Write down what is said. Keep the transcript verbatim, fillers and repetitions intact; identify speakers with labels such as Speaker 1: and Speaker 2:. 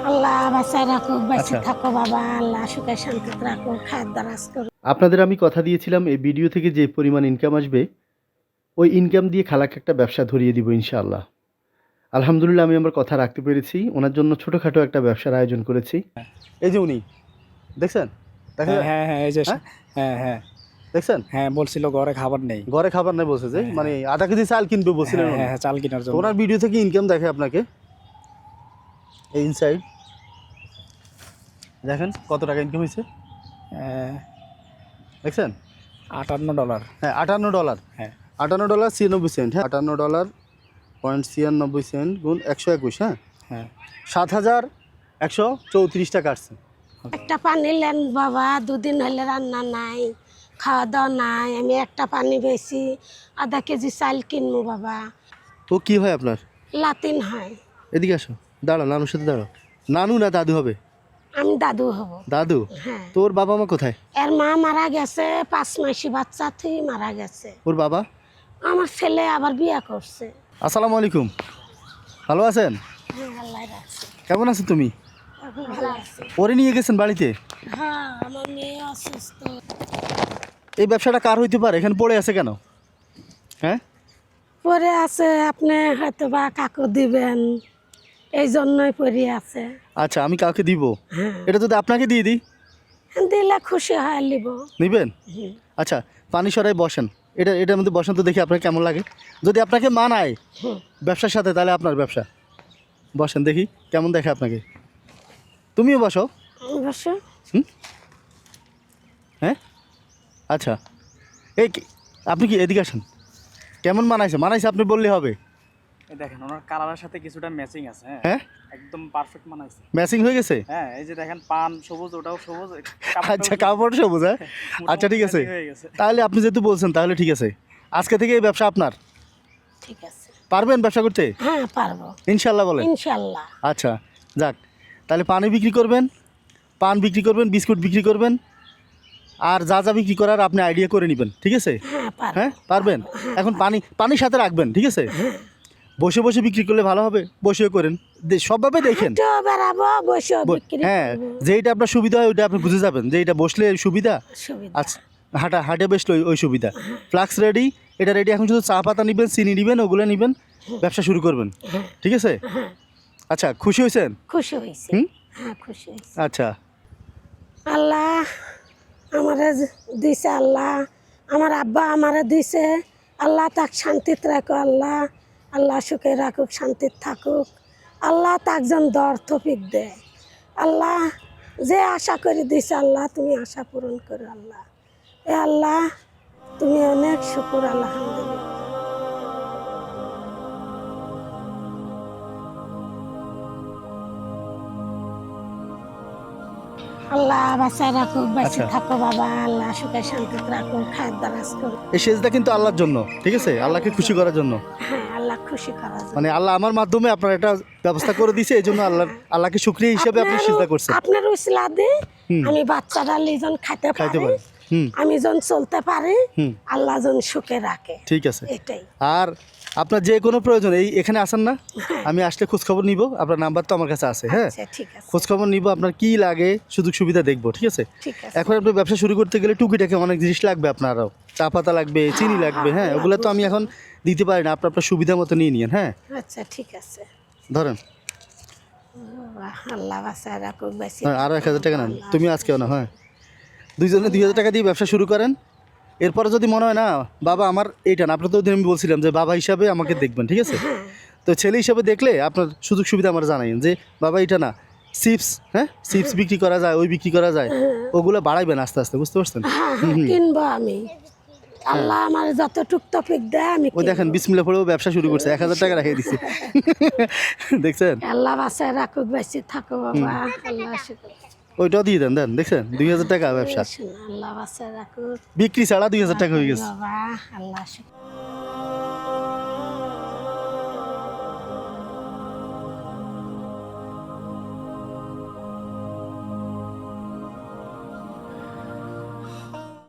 Speaker 1: আল্লাহ বাঁচায় রাখুক, বেঁচে
Speaker 2: আচ্ছা
Speaker 1: থাকো বাবা, আল্লাহ সুখে শান্তিতে রাখুক, খায়ের দারাজ করুক।
Speaker 2: আপনাদের আমি কথা দিয়েছিলাম এই ভিডিও থেকে যে পরিমাণ ইনকাম আসবে ওই ইনকাম দিয়ে খালাকে একটা ব্যবসা ধরিয়ে দিব ইনশাআল্লাহ। আলহামদুলিল্লাহ আমি আমার কথা রাখতে পেরেছি। ওনার জন্য ছোটোখাটো একটা ব্যবসার আয়োজন করেছি। এই যে উনি দেখছেন, দেখা
Speaker 3: হ্যাঁ
Speaker 2: যায়?
Speaker 3: হ্যাঁ হ্যাঁ এই যে
Speaker 2: হ্যাঁ
Speaker 3: হ্যাঁ হ্যাঁ
Speaker 2: দেখছেন,
Speaker 3: হ্যাঁ বলছিল ঘরে খাবার নেই।
Speaker 2: ঘরে খাবার নাই বলছে যে
Speaker 3: হ্যাঁ,
Speaker 2: মানে আধা কেজি চাল কিনবে বলছিলেন
Speaker 3: হ্যাঁ
Speaker 2: উনি।
Speaker 3: হ্যাঁ হ্যাঁ, চাল কেনার
Speaker 2: তো
Speaker 3: জন্য।
Speaker 2: ওনার ভিডিও থেকে ইনকাম দেখে আপনাকে এই ইনসাইড দেখেন কত টাকা ইনকাম হয়েছে
Speaker 3: হ্যাঁ,
Speaker 2: দেখছেন।
Speaker 3: আটান্ন ডলার।
Speaker 2: হ্যাঁ আটান্ন ডলার,
Speaker 3: হ্যাঁ
Speaker 2: আটান্ন ডলার ছিয়ানব্বই সেন্ট। হ্যাঁ আটান্ন ডলার পয়েন্ট ছিয়ানব্বই সেন্ট গুণ একশো একুশ, হ্যাঁ
Speaker 3: হ্যাঁ
Speaker 2: সাত হাজার একশো চৌত্রিশ টাকা আসছে।
Speaker 1: একটা পানি নেন বাবা, দুদিন হলে রান্না নাই, খাওয়া দাওয়া নাই, আমি একটা পানি বেশি আধা কেজি চাল কিনবো বাবা।
Speaker 2: তো কি হয় আপনার?
Speaker 1: লাতিন হয়।
Speaker 2: এদিকে আসো, দাঁড়াও, নানুর সাথে দাঁড়াও। নানু না দাদু হবে?
Speaker 1: আমি দাদু হব।
Speaker 2: দাদু।
Speaker 1: হ্যাঁ,
Speaker 2: তোর বাবা মা কোথায়?
Speaker 1: এর মা মারা গেছে, পাঁচ মাসি বাচ্চা তুই মারা গেছে।
Speaker 2: ওর বাবা?
Speaker 1: আমার ছেলে আবার বিয়ে করছে।
Speaker 2: আসসালামু আলাইকুম, ভালো আছেন?
Speaker 1: হ্যাঁ আল্লাহ রাখছে,
Speaker 2: কেমন আছো তুমি?
Speaker 1: এখন ভালো আছে।
Speaker 2: ওরে নিয়ে গেছেন বাড়িতে?
Speaker 1: হ্যাঁ আমার মেয়ে অসুস্থ।
Speaker 2: এই ব্যবসাটা কার হইতে পারে? এখানে পড়ে আছে কেন? হ্যাঁ
Speaker 1: পরে আছে, আপনি হয়তো বা কাকু দিবেন, এই জন্যই পরে আছে।
Speaker 2: আচ্ছা আমি কাউকে দিব?
Speaker 1: হ্যাঁ
Speaker 2: এটা যদি আপনাকে দিয়ে দিই
Speaker 1: দিলে খুশি হয় লিব।
Speaker 2: নিবেন?
Speaker 1: হুম।
Speaker 2: আচ্ছা পানি সরাই বসেন, এটা এটার মধ্যে বসেন তো দেখি আপনার কেমন লাগে। যদি আপনাকে মানায়
Speaker 1: হুম।
Speaker 2: ব্যবসার সাথে তাহলে আপনার ব্যবসা। বসেন দেখি কেমন দেখে আপনাকে। তুমিও বসো।
Speaker 1: অবশ্য
Speaker 2: হুম হ্যাঁ আচ্ছা এই কি- আপনি কি এদিকে আসেন। কেমন মানাইছে? মানাইছে আপনি বললে হবে।
Speaker 3: এই দেখেন ওনার কালারের সাথে কিছুটা ম্যাচিং আছে। হ্যাঁ
Speaker 2: হ্যাঁ
Speaker 3: একদম পারফেক্ট মানাইছে।
Speaker 2: ম্যাচিং হয়ে গেছে।
Speaker 3: হ্যাঁ এই যে দেখেন পান সবুজ, ওটাও সবুজ।
Speaker 2: আচ্ছা কাপড় সবুজ, হ্যাঁ আচ্ছা ঠিক আছে।
Speaker 3: হয়ে গেছে।
Speaker 2: তাহলে আপনি যেহেতু বলছেন তাহলে ঠিক আছে, আজকে থেকে এই ব্যবসা আপনার।
Speaker 1: ঠিক আছে।
Speaker 2: পারবেন ব্যবসা করতে?
Speaker 1: হ্যাঁ পারবো
Speaker 2: ইনশাল্লাহ বলেন।
Speaker 1: ইনশাল্লাহ।
Speaker 2: আচ্ছা যাক, তাহলে পানি বিক্রি করবেন, পান বিক্রি করবেন, বিস্কুট বিক্রি করবেন, আর যা যা বিক্রি করার আপনি আইডিয়া করে নেবেন, ঠিক আছে?
Speaker 1: হ্যাঁ পারবো।
Speaker 2: হ্যাঁ পারবেন। এখন পানি পানির সাথে রাখবেন, ঠিক আছে? বসে বসে বিক্রি করলে ভালো হবে, বসেও করেন, দে- সবভাবে দেখেন।
Speaker 1: তো বেড়াবো, বসেও
Speaker 2: ব-
Speaker 1: বিক্রি
Speaker 2: হ্যাঁ
Speaker 1: করবো।
Speaker 2: যেইটা আপনার সুবিধা হয় ওইটা আপনি বুঝে যাবেন যে এটা বসলে সুবিধা।
Speaker 1: সুবিধা।
Speaker 2: আচ্ছা হাঁটা হাঁটে বসলে ওই- ওই সুবিধা। ফ্লাক্স রেডি, এটা রেডি। এখন শুধু চা পাতা নেবেন, চিনি নেবেন, ওগুলো নেবেন, ব্যবসা শুরু করবেন, ঠিক আছে?
Speaker 1: হ্যাঁ
Speaker 2: আচ্ছা খুশি হয়েছেন?
Speaker 1: খুশি হয়েছে।
Speaker 2: হুম
Speaker 1: হ্যাঁ খুশি হয়েছে।
Speaker 2: আচ্ছা
Speaker 1: আল্লাহ আমারে দিছে, আল্লাহ আমার আব্বা আমারে দিছে, আল্লাহ তাক শান্তিতে রাখো, আল্লাহ আল্লাহ সুখে রাখুক, শান্তিতে থাকুক, আল্লাহ তাক যেন দর তৌফিক দেয়, আল্লাহ যে আশা করে দিছে আল্লাহ তুমি আশা পূরণ করো, আল্লাহ এ আল্লাহ তুমি অনেক শুকুর, আলহামদুলিল্লাহ। আল্লাহ বাঁচায় রাখুক, বেঁচে
Speaker 2: আচ্ছা।
Speaker 1: থাকো বাবা, আল্লাহ সুখে শান্তিতে রাখুক, খায়ের দারাজ করুক।
Speaker 2: এই সেজদা কিন্তু আল্লাহর জন্য, ঠিক আছে? আল্লাহকে খুশি করার জন্য।
Speaker 1: হ্যাঁ আল্লাহ খুশি করার জন্য।
Speaker 2: মানে আল্লাহ আমার মাধ্যমে আপনার এটা ব্যবস্থা করে দিয়েছে, এই জন্য আল্লাহ আল্লাহকে শুকরিয়া হিসেবে আপনি
Speaker 1: আপনারও-
Speaker 2: সিজদা করছেন।
Speaker 1: আপনার উসিলা দিয়ে
Speaker 2: হুম।
Speaker 1: আমি বাচ্চারা লিজন খাইতে
Speaker 2: খাইতে
Speaker 1: পারি,
Speaker 2: পারে। হুম
Speaker 1: আমি যখন চলতে পারি,
Speaker 2: হুম
Speaker 1: আল্লাহ যখন সুখে রাখে,
Speaker 2: ঠিক আছে।
Speaker 1: এটাই।
Speaker 2: আর আপনার যে কোনো প্রয়োজন এই এখানে আসেন না, আমি আসলে খোঁজখবর নিব, আপনার নাম্বার তো আমার কাছে আছে। হ্যাঁ
Speaker 1: আচ্ছা ঠিক আছে,
Speaker 2: খোঁজখবর নিব, আপনার কি লাগে সুযোগ সুবিধা দেখবো, ঠিক আছে?
Speaker 1: ঠিক আছে।
Speaker 2: এখন আপনি ব্যবসা শুরু করতে গেলে টুকিটাকে অনেক জিনিস লাগবে, আপনারও চা পাতা লাগবে, চিনি লাগবে, হ্যাঁ ওগুলো তো আমি এখন দিতে পারি না, আপনার আপনার সুবিধা মতো নিয়ে নিন। হ্যাঁ
Speaker 1: আচ্ছা ঠিক আছে।
Speaker 2: ধরেন,
Speaker 1: বাহ, আল্লাহ বাঁচায় রাখুক, বেঁচে
Speaker 2: হ্যাঁ আরও এক হাজার টাকা নেন, তুমি আজকেও না। হ্যাঁ দুইজনে দুই হাজার টাকা দিয়ে ব্যবসা শুরু করেন। এরপরে যদি মনে হয় না বাবা আমার এইটা না, আপনার তো ওদিন আমি বলছিলাম যে বাবা হিসাবে আমাকে দেখবেন, ঠিক আছে? তো ছেলে হিসাবে দেখলে আপনার সুযোগ সুবিধা আমার জানাইন যে বাবা এইটা না, চিপস, হ্যাঁ চিপস বিক্রি করা যায়, ওই বিক্রি করা যায়, ওগুলো বাড়াইবেন আস্তে আস্তে, বুঝতে পারছেন?
Speaker 1: হ্যাঁ হ্যাঁ কিনবো আমি, আল্লাহ আমার যতটুক তৌফিক দেয় আমি
Speaker 2: ওই
Speaker 1: কিনবো।
Speaker 2: দেখেন বিসমিল্লাহ পড়েও ব্যবসা শুরু করছে, এক হাজার টাকা রেখে দিচ্ছে। দেখছেন?
Speaker 1: আল্লাহ বাঁচায় রাখুক, বেঁচে থাকো বাবা, আল্লাহ শুকর।
Speaker 2: ওইটাও দিয়ে দেন, দেন দেখছেন দুই হাজার টাকা ব্যবসা
Speaker 1: আল্লাহ বাঁচায় রাখুক
Speaker 2: বিক্রি ছাড়া দুই হাজার টাকা হয়ে গেছে।
Speaker 1: বাবা, আল্লাহ শুকর।